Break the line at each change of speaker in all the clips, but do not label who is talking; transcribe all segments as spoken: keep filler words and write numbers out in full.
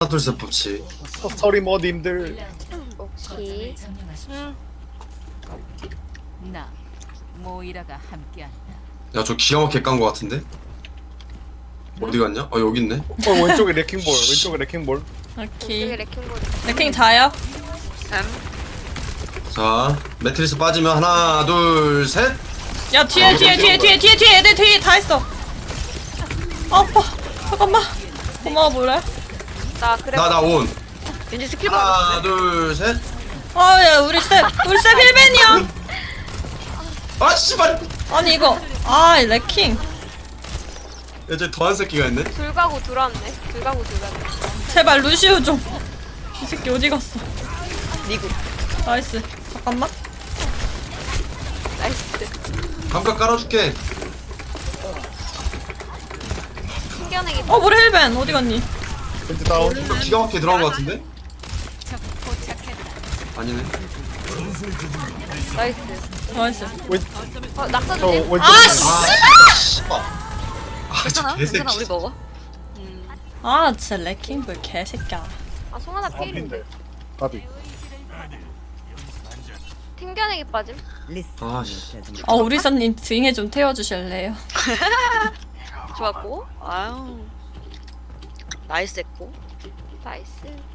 둘셋 법칙.
서리 머님들.
오케이.
응. 나 모이라가 함께한다.
야 저 기가 막히게 깐 거 같은데? 어디 갔냐? 어 여기 있네.
어 왼쪽에 레킹볼. 왼쪽에 레킹볼.
오케이.
여기 레킹볼.
레킹 자요?
자 매트리스 빠지면 하나 둘 셋.
야 뒤에
아,
뒤에
이거
뒤에
찍은
뒤에 뒤에 뒤에 애들 뒤에 다 있어. 아파. 잠깐만. 고마워 볼래?
나 그래.
나 나 온.
왠지 스킬 받았어.
하나 둘 셋.
아야 우리 쌤 우리 쌤 힐벤이야.
아 씨발.
아니 이거 아 레킹
야 저기 더한 새끼가 있네.
둘 가고 둘 왔네. 둘 가고 둘 왔네.
제발 루시우 좀. 이 새끼 어디 갔어?
니구.
나이스. 잠깐만.
나이스.
감각 깔아줄게.
숨겨내기.
어 우리 힐벤 어디 갔니?
벤트 다운.
이거 기가 막히게 들어간 거 같은데?
적 포착했다.
아니네.
나이스.
나이스.
왼.
어 낙사
저
조심.
왼쪽.
아 씨.
아 씨발. 아저
괜찮아?
개새끼.
괜찮아. 우리 먹어.
아 진짜 레킹 볼 개새끼야.
아 송하나 필인데.
까비.
튕겨내기 빠짐.
아 씨.
아 우리 선님 등에 좀 태워주실래요?
좋았고, 아유, 나이스했고.
나이스.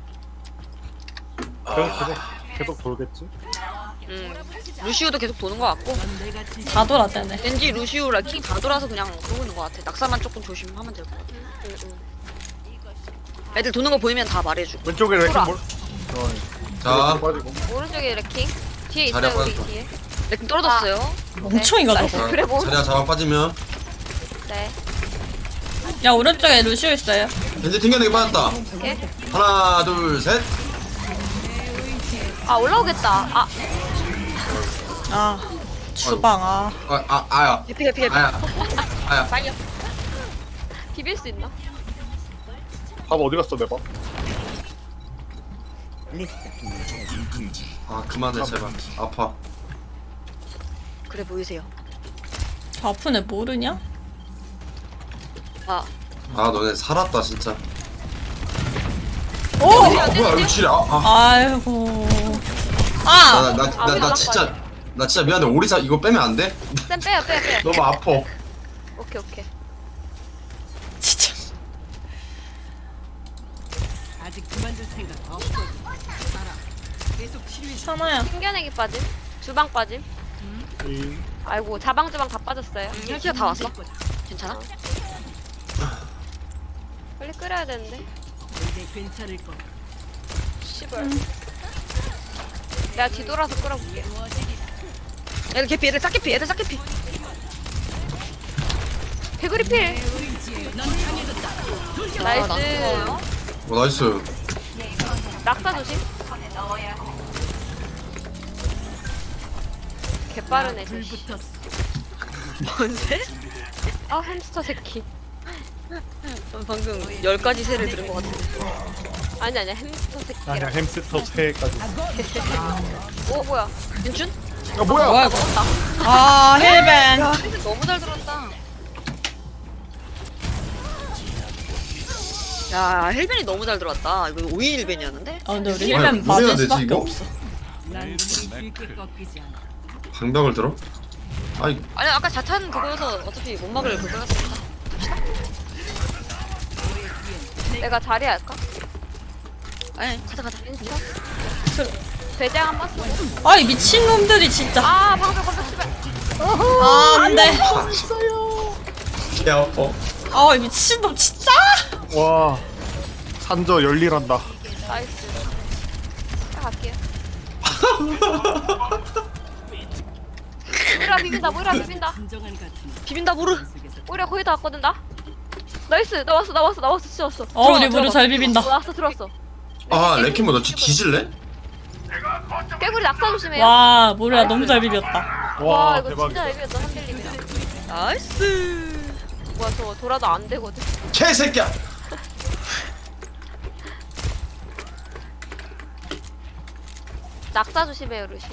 계속 계속 계속 돌겠지.
음, 루시우도 계속 도는 것 같고,
다 돌았다네.
왠지 루시우 라킹 다 돌아서 그냥 그러고 있는 것 같아. 낙사만 조금 조심하면 될 것 같아.
응, 응.
애들 도는 거 보이면 다 말해주고.
왼쪽에 레킹볼. 어.
자
빠지고.
오른쪽에 레킹. 뒤에
자리야,
있어요 우리
빠졌다.
뒤에.
라킹 떨어졌어요.
엄청 이가져.
나이스. 그래 뭐.
자리야 잡아 빠지면.
네.
야 오른쪽에 루시우 있어요.
벤지 튕겨내기 빠졌다.
오케이.
하나 둘 셋.
아 올라오겠다. 아
아 주방 아.
아, 아 아야.
해피 해피 해피.
아야. 아야.
빨리.
비빌 수 있나?
밥 어디 갔어 내 밥?
아 그만해 제발. 아파.
그래 보이세요.
저 아픈 애 모르냐?
아,
아 너네 살았다 진짜.
오!
아 뭐야 이거 지뢰. 아, 아.
아이고. 아!
나, 나, 나, 나 진짜 나 진짜 미안해. 오리사 이거 빼면 안 돼?
쌤 빼요 빼요 빼요.
너무 아파.
오케이 오케이.
진짜.
아직 그만둘 생각 없어. 계속 치료해.
사나야.
튕겨내기 빠짐. 주방 빠짐.
이.
아이고 자방 주방 다 빠졌어요.
혈기가 다 왔어? 괜찮아?
빨리 끓여야 되는데.
이제 괜찮을 거.
씨발. 내가 뒤돌아서 끓여볼게.
애들 개피, 애들 싹개피, 애들 싹개피.
개구리 필. 나이스.
어, 나이스.
낙사 조심. 개빠르네 저 씨.
불 붙었어.
뭔데?
아 햄스터 새끼.
방금 열 가지 새를 들은 것 같은데.
아니 아니야 햄스터
아니야
새끼라.
햄스터 새까지.
오 뭐야?
윤준?
야 뭐야?
뭐야 이거? 아 힐벤.
야, 헬멧 너무 잘 들었다. 야, 헬벤이 너무 잘 들어왔다. 이거 오인 헬벤이었는데?
아 근데 우리
아니,
힐벤
뭐 해야
맞을
되지,
수밖에
이거?
없어.
난 쉽게 꺾이지 않아.
방벽을 들어? 아이
아니, 아까 자탄 그거여서 어차피 못 막을 그거였으니까.
내가 자리 할까?
아니, 가자, 가자.
인스타? 배장 한번 쓰고.
아이 미친 놈들이 진짜.
아 방금 방금 씨발.
아 안돼.
개 아파.
아 미친 놈 진짜.
와. 산저 열일한다.
나이스. 자 갈게요. 모이라 비빈다 모이라 비빈다.
진정한 같은
비빈다, 모르.
속에서
모이라 거의 다 왔거든 나. 나이스 나왔어 나왔어 나왔어 진짜 왔어.
어 우리 무료 잘 비빈다.
어, 나왔어 들어왔어.
아 레키모 너 진짜 뒤질래?
깨구리 낙사 조심해요.
와 모르야 너무 잘 비볐다.
와,
와
이거
대박이다.
진짜 애매했다 한빌리면.
나이스.
뭐야 저거 돌아도 안 되거든.
개새끼야.
낙사 조심해요 루시.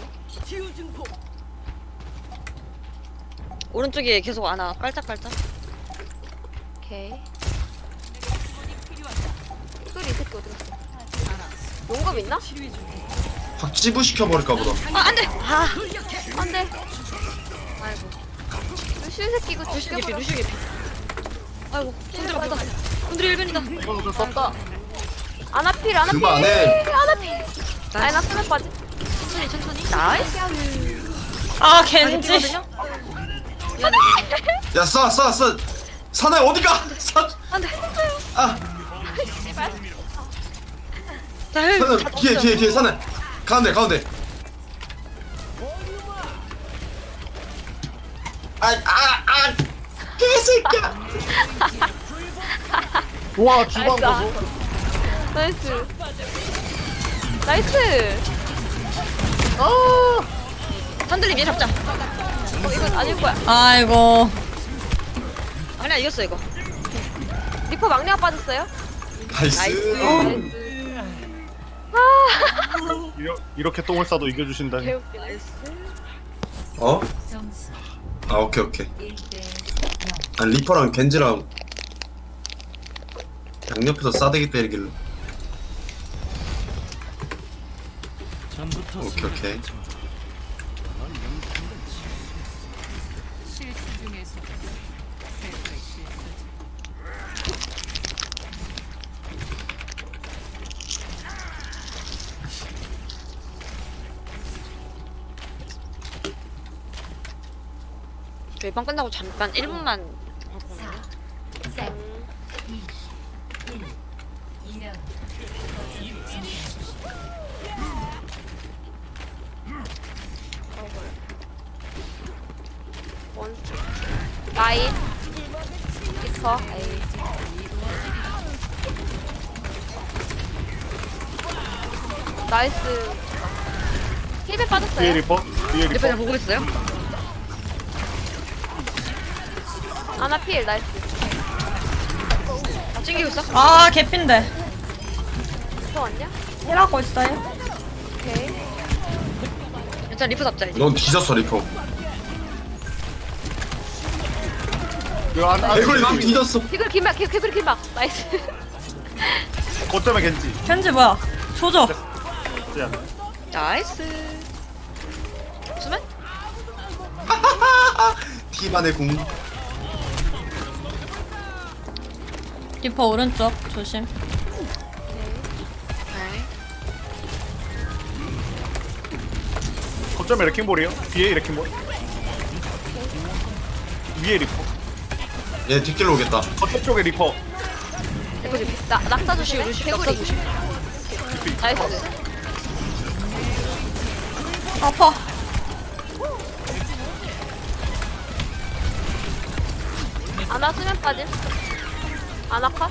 오른쪽에 계속 안아. 깔짝깔짝.
오케이. 깨구리 이 새끼 어디 갔어? 용검 있나?
확 찌부시켜버릴까 보다.
아 안돼. 아 안돼. 아이고. 루시 새끼 이거
루시 개피
죽여버려.
루시 개피. 아이고 손들 맞다. 손들 일변이다.
이거 어쩔 수 없다.
아나필 아나필.
그만해.
아나필. 아니 나 쓰면 빠지.
천천히 천천히.
나이스.
아 겐지.
미안해.
야 쏴 쏴 쏴. 사나야 어디가? 사.
안돼.
아
자 헬.
사나야 뒤에 뒤에 뒤에 사나야. 가운데 가운데. 아아아 개새끼야.
와 주방 보소.
나이스. 나이스.
아
산들님 얘 잡자.
어 이건 아닐 거야.
아이고.
아니야 이겼어 이거.
리퍼 막내가 빠졌어요?
나이스.
나이스.
이러, 이렇게 똥을 싸도 이겨주신다니.
개웃기 나이스.
어? 아 오케이 오케이. 아 리퍼랑 겐지랑 양옆에서 싸대기 때리길래. 오케이 오케이.
실수 중에서 최고의 실수지.
저희 방 끝나고 잠깐 일 분만 할 거거든요.
원. 나인. 리퍼. 에이. 나이스. 힐백
뒤에
빠졌어요?
리퍼. 뒤에
옆에
리퍼.
다 보고 있어요?
아나필 나이스.
다 챙기고 있어?
아 개핀데.
리퍼 왔냐?
일하고 있어요.
오케이.
일단 리프 잡자 이제.
넌 뒤졌어 리퍼.
이거 안 안.
개구리 막 뒤졌어.
개굴 긴막 개굴 긴막 나이스.
거점에 겐지.
겐지 뭐야? 조져.
야,
나이스. 없으면?
티만의 궁.
리퍼 오른쪽 조심.
네.
거점에 레킹볼이요. 뒤에 레킹볼. 위에 리퍼.
얘 뒷길로 오겠다.
거점 쪽에 리퍼.
리퍼 좀 나, 낙사
루시
조심해.
루시 낙사 조심.
나이스.
아파.
아나 수면 빠짐. 아나카?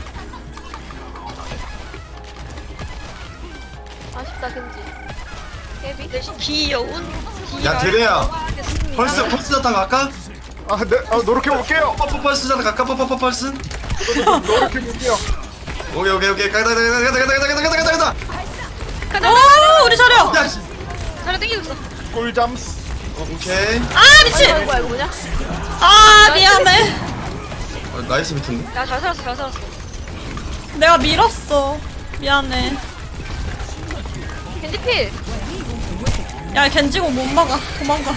아쉽다 겐지. 깨비.
귀여운.
야 드레야. 펄스 펄스 자탄 갈까?
아, 네, 아, 노력해 볼게요.
퍼퍼 펄스 자탄 갈까? 퍼퍼 퍼퍼 펄스.
노력해 볼게요.
오케이 오케이 오케이 가다 가다 가다 가다 가다 가다 가다 가다.
오 우리 자려.
야 씨.
하나 땡기고 있어.
꿀잠스.
어, 오케이.
아 미친.
아이고 아이고 뭐냐?
아 미안해.
어, 나이스 비트인데.
야 잘 살았어 잘 살았어.
내가 밀었어. 미안해.
겐지필.
야 겐지고 못 막아. 도망가.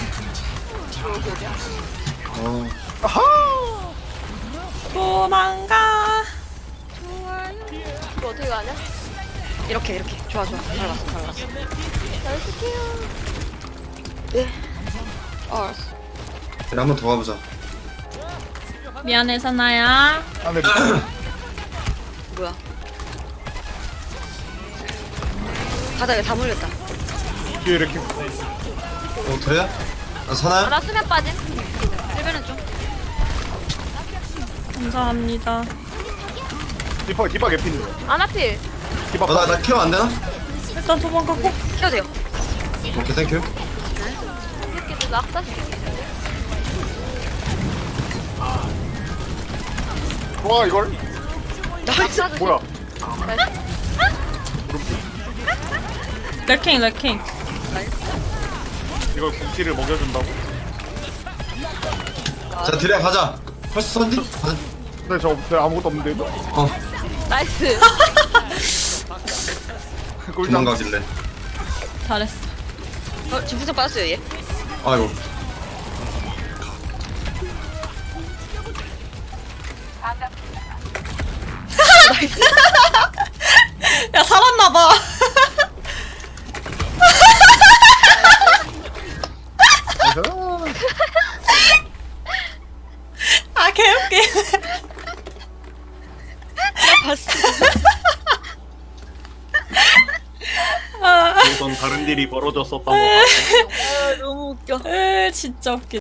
어.
아하.
도망가.
이거 어떻게 가냐?
이렇게 이렇게. 좋아 좋아. 잘 봤어 잘 봤어.
나이스 케어.
네. 어 알았어.
그래 한번 더 가보자.
미안해 사나야.
안에
뭐야? 바닥에 다 몰렸다.
뒤에 레킹.
어 드레야? 아 사나야?
아나 수면 빠짐.
일변은 좀.
감사합니다.
리퍼 디바 개핀.
아나필.
디바.
어나 나 케어 안 되나?
일단 도망가고.
키워도 돼요.
오케이 땡큐.
새끼들 낙사 시키네.
와 이걸
나이스.
뭐야?
레킹 레킹.
이걸 궁티를 먹여준다고?
자 드레야 가자. 펄스 선디? 가자.
근데 저 네, 아무것도 없는데 이거?
어.
나이스.
꿀잠.
도망가길래.
잘했어.
어, 지금 부상 빠졌어요 얘.
아이고.
야 살았나봐. 아 개웃기.
봤어.
아,
어떤 다른 일이 벌어졌었던 것 같아.
아 너무 웃겨.
으, 진짜 웃기.